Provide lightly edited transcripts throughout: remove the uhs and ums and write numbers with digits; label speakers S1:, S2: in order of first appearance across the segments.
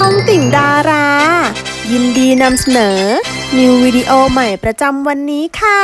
S1: องติ่งดารา ยินดีนำเสนอ นิววิดีโอใหม่ประจำวันนี้ค่ะ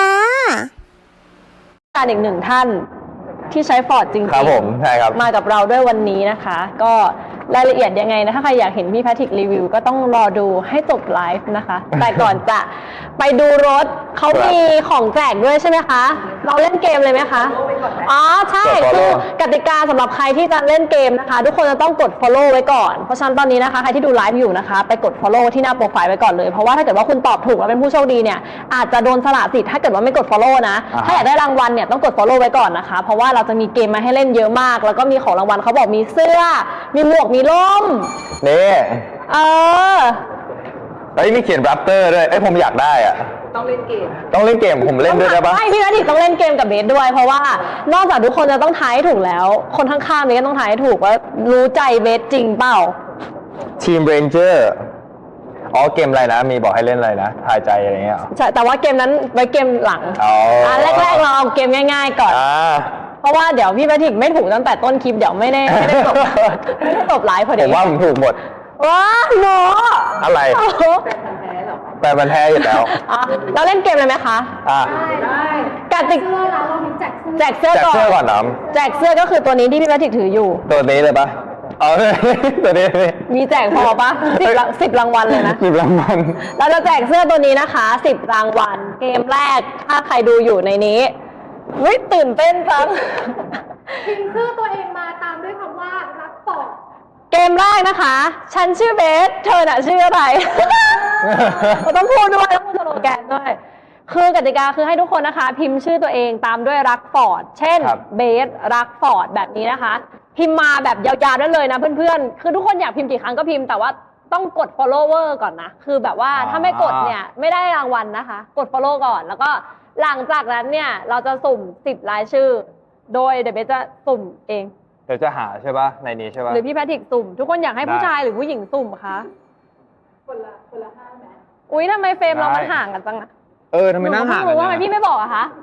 S2: การอีกหนึ่งท่านที่ใช้ฟอร์ดจริงๆ
S3: ครับผมใช่ครับ
S2: มากับเราด้วยวันนี้นะคะ ก็รายละเอียดยังไงนะถ้าใครอยากเห็นพี่แพทริกรีวิวก็ต้องรอดูให้จบไลฟ์นะคะ แต่ก่อนจะไปดูรถเขามีของแจกด้วยใช่ไหมคะเราเล่นเกมเลยไหมคะอ๋อใช่คือกติกาสำหรับใครที่จะเล่นเกมนะคะทุกคนจะต้องกด follow ไว้ก่อนเพราะฉะนั้นตอนนี้นะคะใครที่ดูไลฟ์อยู่นะคะไปกด follow ที่หน้าโปรไฟล์ไว้ก่อนเลยเพราะว่าถ้าเกิดว่าคุณตอบถูกแล้วเป็นผู้โชคดีเนี่ยอาจจะโดนสละสิทธิ์ถ้าเกิดว่าไม่กด follow นะถ้าอยากได้รางวัลเนี่ยต้องกด follow ไว้ก่อนนะคะเพราะว่าเราจะมีเกมมาให้เล่นเยอะมากแล้วก็มีของรางวัลเขาบอกมีเสื้อมีหมวกมีร่ม
S3: นี่
S2: เออ
S3: แล้วมีเขียน Raptor ด้วยผมอยากได้อ่ะต้องเล่นเกมผมเล่นด้วยได้ปะ
S2: ใช่พี่แพทริกต้องเล่นเกมกับเบสด้วยเพราะว่านอกจากทุกคนจะต้องทายให้ถูกแล้วคนข้างๆนี้ก็ต้องทายให้ถูกว่ารู้ใจเบสจริงเปล่า
S3: ทีม Ranger อ๋อเกมอะไรนะมีบอกให้เล่นอะไรนะทายใจอะไรเงี้ย
S2: ใช่แต่ว่าเกมนั้นไว้เกมหลังแรกๆเราเอาเกมง่ายๆก่อนเพราะว่าเดี๋ยวพี่แพทริกไม่ถูกตั้งแต่ต้นคลิปเดี๋ยวไม่ได้จบไม่ได้จบไลฟ์พอดี
S3: ผมว่าผมถูกหมด
S2: ว้าโน
S3: อะไรแต่มันแท้อยู่แล้ว
S2: เราเล่นเกมเลยไหมคะ
S4: ได้
S2: กติกา
S4: เรา
S2: แจกเสื้อ
S3: ก่อนน้
S2: แจกเสื้อก็คือตัวนี้ที่พี่แพทริกถืออยู่
S3: ตัวนี้เลยปะตัวนี้
S2: มีแจกพอปะ10 รางวัลเลยนะ
S3: 10 รางวัล
S2: เราจะแจกเสื้อตัวนี้นะคะ10 รางวัลเกมแรกถ้าใครดูอยู่ในนี้วิตื่นเต้นจัง
S4: พิมพ์ชื่อตัวเองมาตามด้วยคำว่ารักต่อ
S2: เกมแรกนะคะฉันชื่อเบสเธอน่ะชื่ออะไรเราต้องพูดด้วยต้องพูดสโลแกนด้วยคือกติกาคือให้ทุกคนนะคะพิมพ์ชื่อตัวเองตามด้วยรักฟอร์ดเช่นเบสรักฟอร์ดแบบนี้นะคะพิมพ์มาแบบยาวๆได้เลยนะเพื่อนๆคือทุกคนอยากพิมพ์กี่ครั้งก็พิมพ์แต่ว่าต้องกด follower ก่อนนะคือแบบว่าถ้าไม่กดเนี่ยไม่ได้รางวัลนะคะกด follow ก่อนแล้วก็หลังจากนั้นเนี่ยเราจะสุ่ม10 รายชื่อโดยเดี๋ยวเบสจะสุ่มเอง
S3: เดี๋ยวจะหาใช่ป่ะในนี้ใช่ป่ะ
S2: หรือพี่แพทริกสุ่มทุกคนอยากให้ผู้ชายหรือผู้หญิงสุ่มคะ
S4: คนละ5ไหม
S2: อุ๊ยทำไมเฟรมเรามันห่างกันจังอะ
S3: ทำไมนั่งห่าง
S2: กันว่าทำไมพี่ไม่บอกอะคะ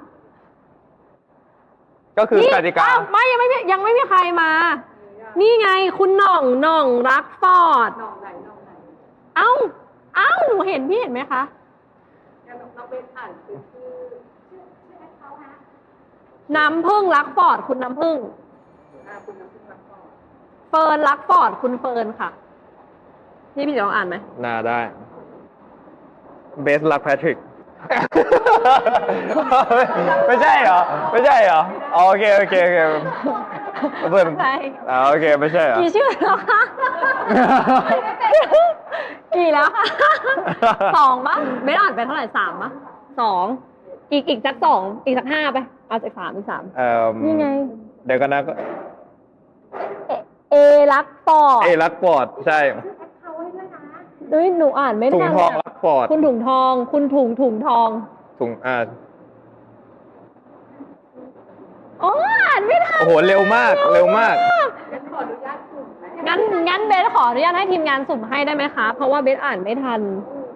S3: ก็คือกติกา
S2: ไม่ยังไม่มีใครมานี่ไงคุณหน่องรักฟอร์ด
S4: หน่องไหน
S2: เอ้าหนูเห็นพี่เห็นไหมคะ
S4: เราไปอ่านชื่อเขาฮะ
S2: น้ำพึ่งรักฟอร์ดคุณน้ำพึ่ง
S4: คุณน้ำพึ่งรักฟอร์ด
S2: เฟิร์นรักฟอร์ดคุณเฟิร์นค่ะนี่พี่จะลองอ่านไหม
S3: น่าได้เบสรักแพทริกไม่ใช่เหรอโอเคเพื่อนโอเคไม่ใช่เหรอ
S2: กี่ชื่อแล้วคะกี่แล้วคะ2ป่ะไม่อ่านไปเท่าไหร่3ป่ะ2อีกสัก2อีกสัก5ไปเอาจาก3อีก3นี่ไง
S3: เดี๋ยวกันนะ
S2: เอรักฟอร์
S3: ดใช่
S2: หนูอ่านไม่ทัน
S3: ถุงทองรักฟอร์ด
S2: คุณถุงทองคุณถุงทองอ๋ออ่านไม่ทัน
S3: โอ้โหเร็วมาก
S4: ขออนุญาตสุ่ม
S2: งั้นเบสขออนุญาตให้ทีมงานสุ่มให้ได้ไหมคะเพราะว่าเบสอ่านไม่ทัน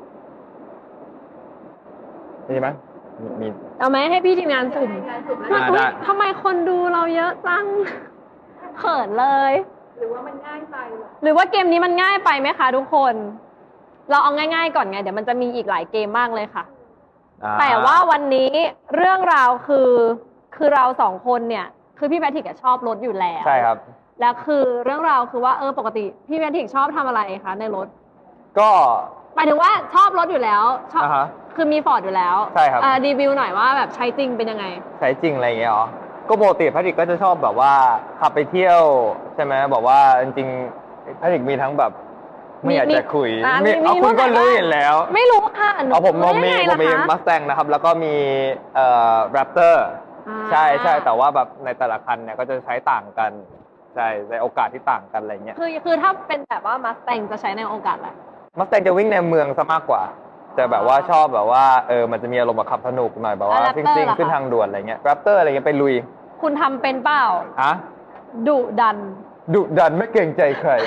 S3: มีไหมมี
S2: เอาไหมให้พี่ทีมงานสุ่มทำไมคนดูเราเยอะจังเขินเลย
S4: หรือว่ามันง่ายไป
S2: หรือว่าเกมนี้มันง่ายไปไหมคะทุกคนเราเอาง่ายๆก่อนไงเดี๋ยวมันจะมีอีกหลายเกมมากเลยค่ะแต่ว่าวันนี้เรื่องราวคือเรา2 คนเนี่ยคือพี่แพทริกชอบรถอยู่แล้ว
S3: ใช่ครับ
S2: แล้วคือเรื่องราวคือว่าปกติพี่แพทริกชอบทำอะไรคะในรถ
S3: ก็
S2: หมายถึงว่าชอบรถอยู่แล้วชอบคือมีฟอร์ดอยู่แล้ว
S3: ใช่ครับ
S2: รีวิวหน่อยว่าแบบใช้จริงเป็นยังไง
S3: ใช้จริงอะไรอย่างเงี้ยหรอก็ปกติแพทริกก็จะชอบแบบว่าขับไปเที่ยวใช่ไหมบอกว่าจริงๆแพทริกมีทั้งแบบไม่อยากจะคุยคุณก็รู้อยู่แล้ว
S2: ไม่รู้ค่ะ
S3: ผมมีมัสแตงนะครับแล้วก็มีแรปเตอร์ใช่แต่ว่าแบบในแต่ละคันเนี่ยก็จะใช้ต่างกันใช่ในโอกาสที่ต่างกันอะไรเงี้ย
S2: คือถ้าเป็นแบบว่ามัสแตงจะใช้ในโอกาสอะไร
S3: มัสแตงจะวิ่งในเมืองซะมากกว่าจะแบบว่าชอบแบบว่ามันจะมีอารมณ์แบบขับสนุกหน่อยแบบว่าซิ่งขึ้นทางด่วนอะไรเงี้ยแรปเตอร์อะไรเงี้ยไปลุย
S2: คุณทำเป็นเปล่าดุดัน
S3: ไม่เกรงใจใคร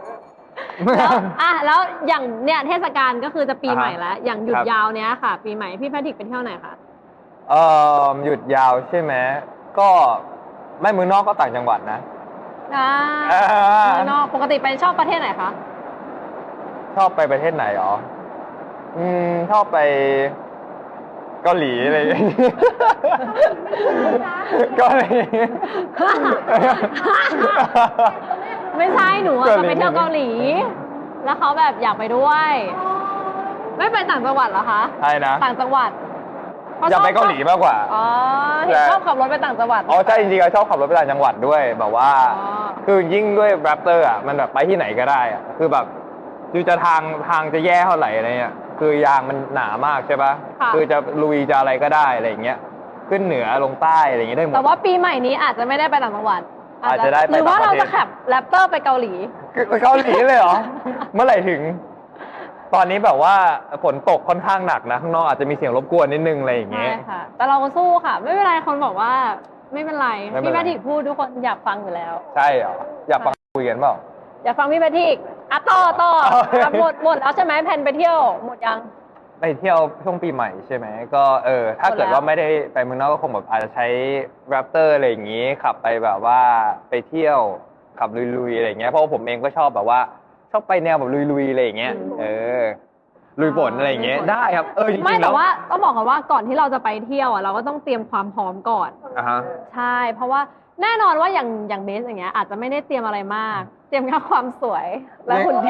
S2: แล้วอย่างเนี่ยเทศกาลก็คือจะปีใหม่แล้วอย่างหยุดยาวเนี้ยค่ะปีใหม่พี่แพทริกไปเที่ยวไหนคะ
S3: หยุดยาวใช่ไหมก็ไม่เมืองนอกก็ต่างจังหวัดนะ
S2: เมืองนอกปกติไปชอบประเทศไหนคะ
S3: ชอบไปประเทศไหนหรอชอบไปเกาหลีอะไรอย่างเงี้ยเกาหลี
S2: ไม่ใช่หนูอะจะไปเที่ยวเกาหลี แล้วเขาแบบอยากไปด้วย ไม่ไปต่างจังหวัดเหรอคะ
S3: ใช่นะ
S2: ต่างจังหวัด
S3: อยากไปเกาหลีมากกว่า
S2: อ๋อเห็นชอบขับรถไปต่างจังหวัด
S3: อ๋อใช่จริงๆชอบขับรถไปต่างจังหวัดด้วยแบบว่า
S2: อ๋อ
S3: คือยิ่งด้วยแรปเตอร์อ่ะมันแบบไปที่ไหนก็ได้อ่ะคือแบบคือจะทางจะแย่เท่าไหร่อะไรเงี้ยคือยางมันหนามากใช่ปะคือจะลุยจะอะไรก็ได้อะไรอย่างเงี้ยขึ้นเหนือลงใต้อะไรอย่างเงี้ยได้หมด
S2: แต่ว่าปีใหม่นี้อาจจะไม่ได้ไปต่างจังหวัด
S3: อาจจะได้ไป
S2: หรือว่า
S3: ต่างประเทศ
S2: เราจะขับแรปเตอร์ไปเกาหลี
S3: ไปเกาหลีเลยเหรอ เมื่อไหร่ถึง ตอนนี้แบบว่าฝนตกค่อนข้างหนักนะข้างนอกอาจจะมีเสียงรบกวนนิดนึงอะไรอย่าง
S2: ใช่
S3: เงี้ย
S2: ค่ะ แต่เราก็สู้ค่ะ ไม่เป็นไรคนบอกว่าไม่เป็นไร
S3: ไม่เป็น
S2: พี่
S3: ไร
S2: แพทริกพูดทุกคนอยากฟังอยู่แล้ว
S3: ใช่เหรออยากฟังคุยกันเปล่า
S2: อยากฟังพี่แพทริกอ่ะต่อ
S3: โอเค
S2: อ่ะหมดแล้วใช่ไหมแผนไปเที่ยวหมดยัง
S3: ไปเที่ยวช่วงปีใหม่ใช่ไหมก็ถ้าเกิดว่าไม่ได้ไปเมืองนอกก็คงแบบอาจจะใช้แรปเตอร์อะไรอย่างงี้ขับไปแบบว่าไปเที่ยวขับลุยๆอะไรอย่างเงี้ยเพราะว่าผมเองก็ชอบแบบว่าชอบไปแนวแบบลุยๆอะไรอย่างเงี้ยลุยฝนอะไรอย่างเงี้ยได้ครับจริงๆ
S2: ไม่
S3: แล้
S2: แต่
S3: ว
S2: ว่าต้องบอกก่อนว่าก่อนที่เราจะไปเที่ยวอ่ะเราก็ต้องเตรียมความพร้อมก่อน
S3: อ่ะฮะ
S2: ใช่ เพราะว่าแน่นอนว่าอย่างเบสอย่างเงี้ยอาจจะไม่ได้เตรียมอะไรมาก เตรียมแค่ความสวยและหุ่นดี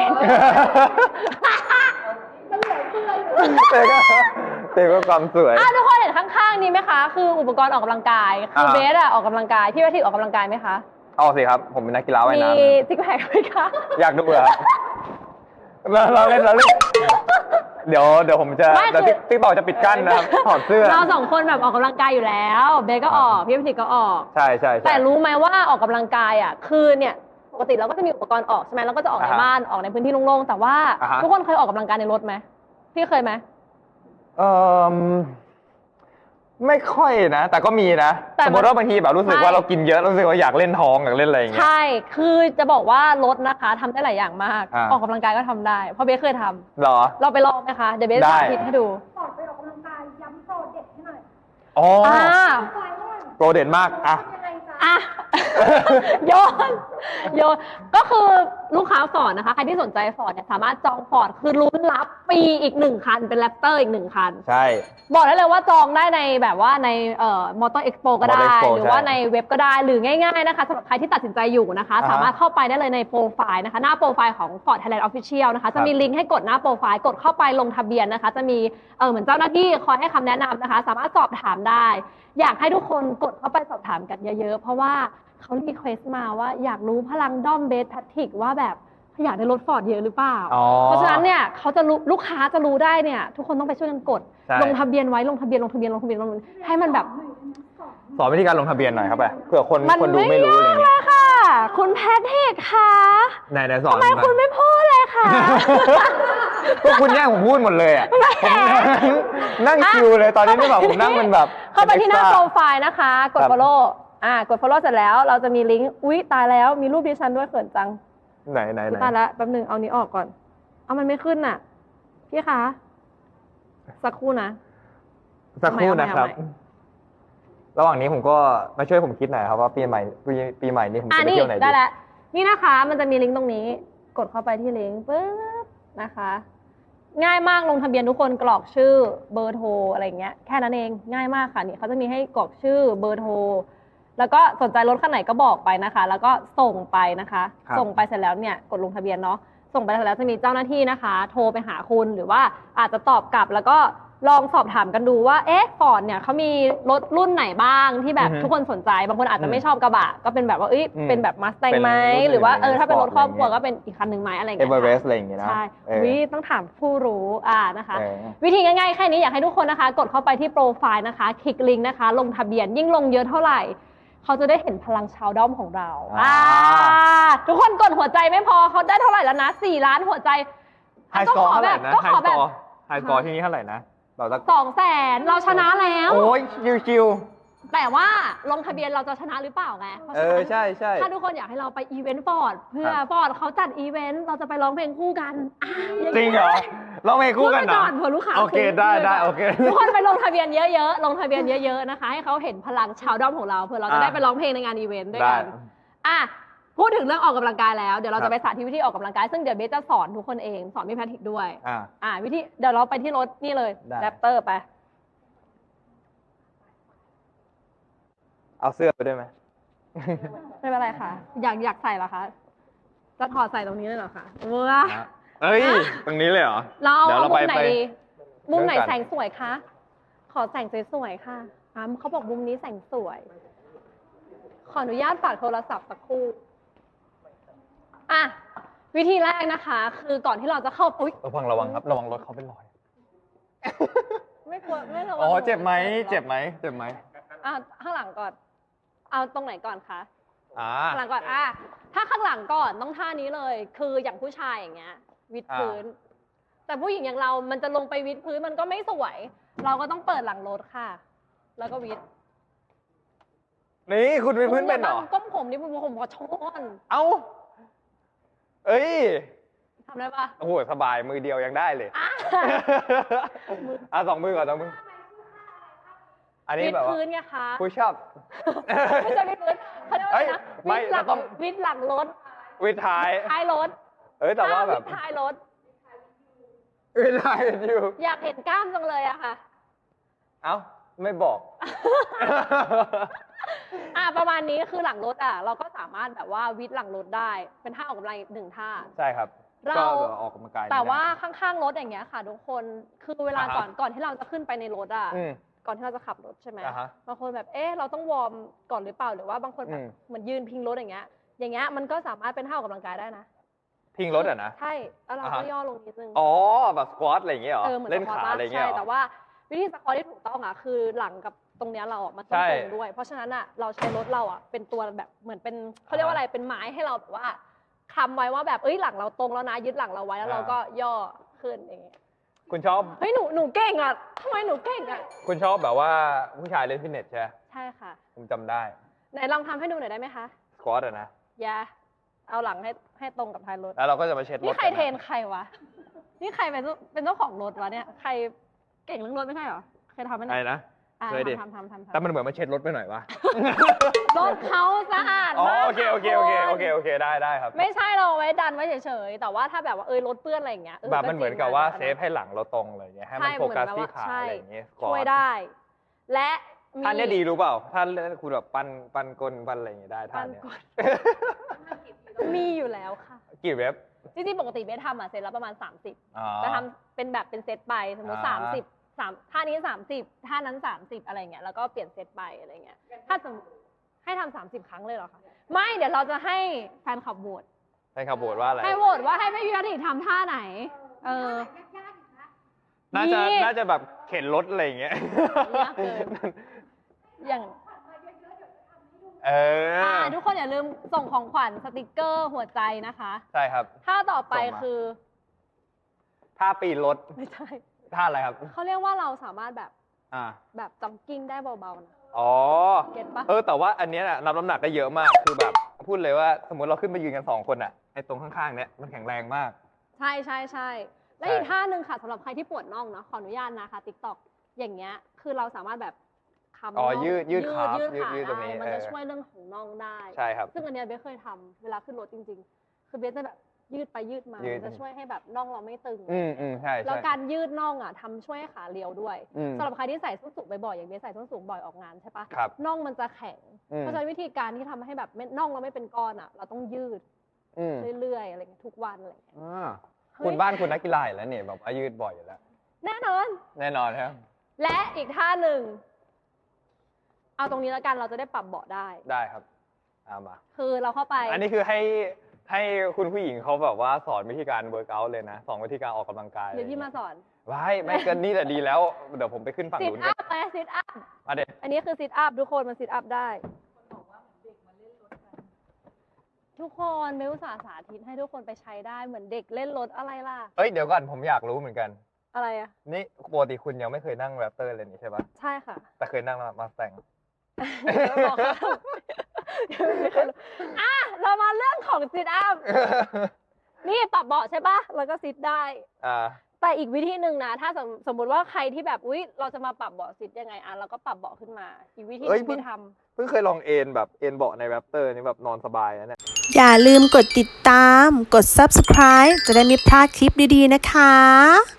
S3: เต็มก็ความสวย
S2: ทุกคนเห็นข้างๆนี้ไหมคะ คืออุปกรณ์ออกกำลังกายคือเบสอะออกกำลังกายพี่แพทริกออกกำลังกายไหมคะ
S3: เอาสิครับผมเป็นนักกีฬาว่าย
S2: มี
S3: น้
S2: ซิกแพคไหมคะ
S3: ำอยากดูเหรอครับเราเล่นเดี๋ยวผมจะ
S2: ไม่
S3: เดี๋ยว
S2: คือ
S3: ติ๊กต่อจะปิดกั้นนะครับถอดเสื้อ
S2: เราสองคนแบบออกกำลังกายอยู่แล้วเบสก็ออกพี่แพทริกก็ออก
S3: ใช่
S2: แต่รู้ไหมว่าออกกำลังกายอ่ะคือเนี่ยปกติเราก็จะมีอุปกรณ์ออกใช่ไหมเราก็จะออกในบ้านออกในพื้นที่โล่งๆแต่ว่า ทุกคนเคยออกกำลังกายในรถไหมพี่เคยไหม
S3: ไม่ค่อยนะ แต่ก็มีนะ
S2: แต่
S3: สมมติว่าบางทีแบบรู้สึกว่าเรากินเยอะรู้สึกว่าอยากเล่นท้องอยากเล่นอะไรอย่างเงี้ย
S2: ใช่คือจะบอกว่ารถนะคะทำได้หลายอย่างมาก
S3: อ่า
S2: ออกกำลังกายก็ทำได้เพราะเบสเคยทำ
S3: เหรอ
S2: เราไปลองไหมคะเดี๋ยวเบส
S3: ได้
S2: สาธิตให้ดู
S4: ก่อนไปออกกำลังกายย้ำโปรเด็ดให้หน่อย
S3: อ๋อ
S2: อ่า
S4: ไฟว่า
S3: โปรเด่นมากอ่ะ
S4: ยังไงจ๊ะ
S2: อ่ะ โยนก็คือลูกค้าฟอร์ดนะคะใครที่สนใจฟอร์ดเนี่ยสามารถจองฟอร์ดคือลุ้นรับฟรีอีก1คันเป็นแรปเตอร์อีก1คัน
S3: ใช่
S2: บอกได้เลยว่าจองได้ในแบบว่าในมอเตอร์เอ็กซ์โปก็ได้
S3: Motor Expo
S2: หรือว่า
S3: ใช่
S2: ในเว็บก็ได้หรือง่ายๆนะคะสำหรับใครที่ตัดสินใจอยู่นะคะ
S3: อ่าฮะ
S2: สามารถเข้าไปได้เลยในโปรไฟล์นะคะหน้าโปรไฟล์ของ Ford Thailand Official นะคะจะมีลิงก์ให้กดหน้าโปรไฟล์กดเข้าไปลงทะเบียนนะคะ จะมีเหมือนเจ้าหน้าที่คอยให้คำแนะนำนะคะ สามารถสอบถามได้ อยากให้ทุกคนกดเข้าไปสอบถามกันเยอะๆ เพราะว่าเขารีเควสต์มาว่าอยากรู้พลังด้อมเบสแพทริกว่าแบบอยากได้รถฟอร์ดเยอะหรือเปล่า
S3: อ๋อ
S2: เพราะฉะนั้นเนี่ยเขาจะรู้ลูกค้าจะรู้ได้เนี่ยทุกคนต้องไปช่วยกันกด
S3: ใช่
S2: ลงทะเบียนไว้ลงทะเบียนให้มันแบบ
S3: สอนวิธีการลงทะเบียนหน่อยครับไปเผื่อคน
S2: มัน
S3: คนดูไม่รู้อะไร
S2: ยากเล
S3: เงี้ย
S2: ยค่ะ คุณแพทริกค่ะ
S3: ไหนสอน
S2: ทำไมคุณไม่พูดเลยค่ะ
S3: ก็คุณแย่งผมพูดหมดเลยอ่ะผมนั่งคิวเลยตอนนี้นี่แบบผมนั่งเป็นแบบ
S2: เข้าไปที่หน้า
S3: extra
S2: โปรไฟล์นะคะ กด
S3: ครับ
S2: follow กด follow เสร็จแล้วเราจะมีลิงก์อุ๊ยตายแล้วมีรูปดิฉันด้วยเขินจัง
S3: ไหน
S2: ตายแล้วแป๊บนึงเอานี้ออกก่อนเอามันไม่ขึ้นน่ะพี่คะสักครู่นะ
S3: สักครู่นะครับ
S2: เอาใหม่
S3: ระหว่างนี้ผมก็มาช่วยผมคิดหน่อยครับว่าปีใหม่นี้ผมจะไป
S2: นี่
S3: เที่ยวไหน
S2: ได้
S3: ดี
S2: แล้วนี่นะคะมันจะมีลิงก์ตรงนี้ กดเข้าไปที่ลิงก์ปึ๊บนะคะ ง่ายมากลงทะเบียนทุกคนกรอกชื่อเบอร์โทรอะไรอย่างเงี้ยแค่นั้นเองง่ายมากค่ะนี่เขาจะมีให้กรอกชื่อเบอร์โทรแล้วก็สนใจรถคันไหนก็บอกไปนะคะ แล้วก็ส่งไปนะคะ
S3: ครับ
S2: ส่งไปเสร็จแล้วเนี่ยกดลงทะเบียนเนาะส่งไปเสร็จแล้วจะมีเจ้าหน้าที่นะคะ โทรไปหาคุณหรือว่าอาจจะตอบกลับแล้วก็ลองสอบถามกันดูว่าฟอร์ดเนี่ยเขามีรถรุ่นไหนบ้างที่แบบ
S3: อือฮึ
S2: ทุกคนสนใจบางคนอาจจะไม่ชอบกระบะก็เป็นแบบว่าเป็นแบบมาส t ต n
S3: เป็น
S2: ไหม
S3: รุ่นอื่น
S2: หรือว่า
S3: อะไร
S2: ถ้าเป็นรถครอบครัว
S3: อะไรเงี้ย
S2: ก็เป็นอีกคันหนึ่งไหมอะไรอย่าง
S3: เอ
S2: เงี้
S3: เว
S2: ย
S3: อเร
S2: ค่ะ
S3: สต์อะไรอย่างเงี้ยนะ
S2: ใช่
S3: เออ
S2: วิต้องถามผู้รู้นะคะ
S3: เออ
S2: วิธีง่ายๆแค่นี้อยากให้ทุกคนนะคะ กดเข้าไปที่โปรไฟล์นะคะ คลิกลิงก์นะคะ ลงทะเบียนยิ่งลงเยอะเท่าไหร่ เขาจะได้เห็นพลังชาวด้อมของเราทุกคนกดหัวใจไม่พอเขาได้เท่าไหร่แล้วนะ4 ล้านหัวใจ
S3: ไฮสกอร์เท่าไหร่นะ
S2: ก็
S3: ไฮ
S2: ขอ
S3: ส
S2: แบ
S3: ก
S2: บ
S3: อร์ไฮสกอร์ที่นี่เท่าไหร่นะเราจะ
S2: 200,000เราชนะแล้ว
S3: โอ้ยชิว
S2: แต่ว่าลงทะเบียนเราจะชนะหรือเปล่าไงเพราะ
S3: เอ
S2: ฉะ
S3: อ
S2: นั้น
S3: ใช่
S2: ถ้าทุกคนอยากให้เราไปอีเวนต์ฟอร์ดเพื่อ
S3: ครับ
S2: ฟอร์ดเขาจัดอีเวนต์เราจะไปร้องเพลงคู่กันย่า
S3: จริงเหรอเราไม่คู่กันเหรอ
S2: พูดไปก่อนเผื่อลูกค้า
S3: โอเค
S2: ซื้อ
S3: ได้โอเค
S2: ทุกคนไปลงทะเบียนเยอะๆลงทะเบียนเยอะๆนะคะ ให้เขาเห็นพลังชาวด้อมของเราเผื่อเราจะได้ไปร้องเพลงในงานอีเวนต์ด้วยกัน
S3: ได้
S2: พูดถึงเรื่องออกกำลังกายแล้วเดี๋ยวเรา
S3: ครั
S2: จะ
S3: บ
S2: ไปสาธิตวิธีออกกำลังกายซึ่งเดี๋ยวเบสจะสอนทุกคนเองสอนพี่แพทริกด้วย วิธีเดี๋ยวเราไปที่รถนี่เลย
S3: ได้
S2: แรปเตอร์ไป
S3: เอาเสื้อไปด้วยไหม
S2: ไม่เป็นไรค่ะ อยากใส่เหรอคะจะถอดใส่ตรงนี้เลยเหรอคะว้า
S3: เอ้ย ตรงนี้เลยเหรอ
S2: เราเอา
S3: เดี๋ยวเรา
S2: มุ
S3: ไป
S2: มไหน
S3: ไป
S2: ดีมุมไหน
S3: เริ่มกัน
S2: แสงสวยคะขอแสงสวยๆค่ะเขาบอกมุมนี้แสงสวย ขออนุญาตฝากโทรศัพท์สักครู่อ่ะวิธีแรกนะคะ คือก่อนที่เราจะเข้าอุ๊ย
S3: ระวังครับ ระวังรถเขาเป็นรอย
S2: ไม่กลัวไม่ระวัง
S3: อ๋อ เจ็บไหม เจ็บไหม เจ็บไหม
S2: ข้างหลังก่อน เอาตรงไหนก่อนคะ
S3: อ่า
S2: ข้างหลังก่อนถ้าข้างหลังก่อนต้องท่านี้เลย คืออย่างผู้ชายอย่างเงี้ย วิดพื้น แต่ผู้หญิงอย่างเรา มันจะลงไปวิดพื้นมันก็ไม่สวย เราก็ต้องเปิดหลังรถค่ะ แล้วก็วิด
S3: นี่คุณเป็นพื้นเป็นเหรอ
S2: ก้มผมนี่ผมขอโชน
S3: เอ้า เอ้ย
S2: ทำได้ปะ
S3: โอ้โห สบาย มือเดียวยังได้เลย สองมือก่อนสองมือ อันนี้
S2: วิด
S3: แบบว่า
S2: พื้นไงคะ
S3: ผู้ชอบ
S2: ไม่ใช่วิดพื้นเขาเรียกว่าอะไรนะ
S3: เอ้ยไม่
S2: วิดหลัง
S3: เราต้อง
S2: วิดหลังรถ
S3: วิดท้าย
S2: ท้ายรถ
S3: แต่ว่าแบบ
S2: วิดท้ายรถ
S3: วิดท้ายอยู่
S2: อยากเห็นกล้ามจังเลยอะค่ะ
S3: เอ้า ไม่บอก
S2: ประมาณนี้คือหลังรถเราก็สามารถแบบว่าวิดหลังรถได้ เป็นท่าออกกำลังอีกหนึ่งท่า
S3: ใช่ครับ
S2: เรา
S3: ก็ออกกำลังกาย
S2: แต่ว่า
S3: ไม่ได้
S2: ข้างๆรถอย่างเงี้ยค่ะทุกคน คือเวลา
S3: อ่าฮะ
S2: ก่อนที่เราจะขึ้นไปในรถ
S3: อืม
S2: ก่อนที่เราจะขับรถใช่ไหม
S3: อ่าฮะ
S2: บางคนแบบ เราต้องวอร์มก่อนหรือเปล่า หรือว่าบางคนแบบเหมือนยืนพิงรถอย่างเงี้ย อย่างเงี้ยมันก็สามารถเป็นท่าออกกำลังกายได้นะ
S3: ทิ้งรถอ่ะนะ
S2: ใช่ แล้วเรา
S3: อ่า
S2: ก็
S3: ฮะ
S2: ย่อลงนิดนึง
S3: อ๋อ แบบสควอตอะไรอย่างเงี้ยเหรอ
S2: เหมือน
S3: เล่น
S2: สควอ
S3: ขา
S2: ต
S3: อะไรอย่างเงี้ย
S2: ใช่
S3: เหรอ
S2: แต่ว่าวิธีสควอตที่ถูกต้องคือหลังกับตรงเนี้ยเรามันต้อง
S3: ใช่
S2: ตรงด้วย เพราะฉะนั้นเราใช้รถเราเป็นตัวแบบเหมือนเป็นเขาเรียกว่าอะไรเป็นไม้ให้เราแบบว่าคำไว้ว่าแบบหลังเราตรงแล้วนะยึดหลังเราไว้แล้วเราก็ย่อขึ้นอย่างเงี้ย
S3: คุณชอบ
S2: เฮ้ยหนูเก่งอ่ะทำไมหนูเก่งอ่ะ
S3: คุณชอบแบบว่าผู้ชายเล่นฟิตเนสใช่ไหม
S2: ใช่ค่ะ
S3: ผมจำได้
S2: ไหนลองทำให้ดูหน่อยได้ไหมคะ
S3: สควอตอะนะ
S2: อย่าเอาหลังให้ตรงกับท้ายรถ
S3: แล้วเราก็จะมาเช็ดรถ
S2: นี่ใคร
S3: กัะ
S2: เทรนใครวะนี่ใครเป็นเจ้าของรถวะเนี่ยใครเก่งเรื่องรถไม่ใช่เหรอเคยทำไหม
S3: ใคร
S2: เนี่ย
S3: นะ เคยดิ
S2: ทำ
S3: แต่มันเหมือนมาเช็ดรถไปหน่อยวะ
S2: รถเขาสะอาด
S3: อ๋อ
S2: มาก
S3: โอเคโอเคโอเคโอเคโอเคได้ครับ
S2: ไม่ใช่เราไว้ดันไว้เฉยๆแต่ว่าถ้าแบบว่ารถเปื้อนอะไรอย่างเงี้ย
S3: แบบมันเหมือนกับว่าเซฟ
S2: ให้
S3: ให้หลังเราตรงเลยางเงี้ยให้มันโฟกัสที่ขาอะไรอย่างเงี้ย
S2: ช่วยได้ และมี
S3: ท่านเนี้ยดีรู้เปล่าท่านคุณแบบปั้นก้นปั้นอะไรอย่างเงี้ยได้ท่านเนี้ย
S2: มีอยู่แล้วค่ะ
S3: กี่เว็บ
S2: จริงๆปกติเบสทำเซตละประมาณ 30
S3: อ๋อ
S2: จะทำเป็นแบบเป็นเซตไปสมมติ
S3: อ่า
S2: ท่านี้30ท่านั้น30อะไรเงี้ยแล้วก็เปลี่ยนเซตไปอะไรเงี้ยถ้าสมมติให้ทำ30 ครั้งเลยเหรอคะไม่เดี๋ยวเราจะให้แฟนคลับโหวต
S3: ให้ขับโบดว่าอะไร
S2: ให้โหวตว่าให้ไม่พิธีทำท่าไหน
S4: ยากๆอีกนะ
S3: น่าจะแบบเข็นรถอะไรอย่างเงี้ย
S2: ยากเกิน อย่าง
S3: เออ
S2: ทุกคนอย่าลืมส่งของขวัญสติกเกอร์หัวใจนะคะ
S3: ใช่ครับ
S2: ท่าต่อไป
S3: ส่งมา
S2: คือ
S3: ท่าปีนรถ
S2: ไม่ใช่
S3: ท่าอะไรครับ
S2: เขาเรียกว่าเราสามารถแบบ
S3: อ่า
S2: แบบจ็อกกิ้งได้เบาๆนะ
S3: อ๋อ
S2: เก็ตปะ
S3: แต่ว่าอันเนี้ยน่ะนับน้ำหนักได้เยอะมาก คือแบบพูดเลยว่าสมมติเราขึ้นไปยืนกัน2 คนอ่ะ ไอ้ตรงข้างๆเนี้ยมันแข็งแรงมาก
S2: ใช่ใช่ใช่และ
S3: ใช่
S2: อีกท่าหนึ่งค่ะสำหรับใครที่ปวดน่องเนาะขออนุญาตนะคะติ๊กต็อกอย่างเงี้ยคือเราสามารถแบบคำ
S3: อ๋อ
S2: น่อง
S3: ยืดขา
S2: ยืดขา
S3: ยืดตรงนี้
S2: ได้มันจะ
S3: เออ
S2: ช่วยเรื่องของน่องได้
S3: ใช่ครับ
S2: ซึ่งอันเนี้ยเบสเคยทำเวลาขึ้นรถจริงๆ คือเบสจะแบบยืดไปยืดมา
S3: ยืด
S2: มันจะช่วยให้แบบน่องเราไม่ตึง
S3: ใช่
S2: แล้ว
S3: ใช่
S2: การยืดน่องทำช่วยให้ขาเรียวด้วย
S3: อืม
S2: สำหรับใครที่ใส่ส้นสูงบ่อยๆอย่างเบสใส่ส้นสูงบ่อยออกงานใช่ปะ
S3: ครับ
S2: น่องมันจะแข็ง
S3: อืม
S2: เพราะฉะนั้นวิธีการที่ทำให้แบบน่องเราไม่เป็นก้อนเราต้องยืด
S3: อืม
S2: เรื่อยๆอะไรเงี้ยทุกวันอะไรเงี้ย
S3: อ่า
S2: เฮ้ย
S3: คุณบ้านคุณนักกีฬาอยู่แล้วเนี่ยแบบว่ายืดบ่อยอยู่แล้ว
S2: แน่นอน
S3: แน่นอนครับ
S2: และอีกท่าหนึ่งเอาตรงนี้แล้วกันเราจะได้ปรับเบาะได้
S3: ได้ครับมา
S2: คือเราเข้าไป
S3: อันนี้คือให้คุณผู้หญิงเขาแบบว่าสอนวิธีการเวิร์กอัลเลยนะสอนวิธีการออกกำลังกาย
S2: เดี๋ยวพี่มาสอน
S3: ไม่เกินนี่แต่ดีแล้ว เดี๋ยวผมไปขึ้นฝั่ง
S2: ซิท
S3: นู้น
S2: อั
S3: กัน
S2: พไปซิทอัพ
S3: มาเด็ด
S2: อันนี้คือซิทอัพทุกคนมันซิทอัพได้ทุกคนเบลอุตส่าห์สาธิตให้ทุกคนไปใช้ได้เหมือนเด็กเล่นรถอะไรล่ะ
S3: เดี๋ยวก่อนผมอยากรู้เหมือนกัน
S2: อะไรอะ
S3: นี่ปกติคุณยังไม่เคยนั่งแรปเตอร์เลยนี่ใช่ปะ
S2: ใช่ค่ะ
S3: แต่เคยนั่งมาสแตง
S2: บอกเขาเรามาเรื่องของซิทอัพ นี่ปรับเบาะใช่ปะแล้วก็ซิทได้ แต่อีกวิธีหนึ่งนะ ถ้าสมมติว่าใครที่แบบเราจะมาปรับเบาะซิทยังไงเราก็ปรับเบาะขึ้นมา อีกวิธีหนึงที่ทำ
S3: เพิ่งเคยลองเอนแบบเอนเบาะในแรปเตอร์นี่แบบนอนสบายนะเนี่ย
S1: อย่าลืมกดติดตาม กด subscribe จะได้ไม่พลาดคลิปดีๆนะคะ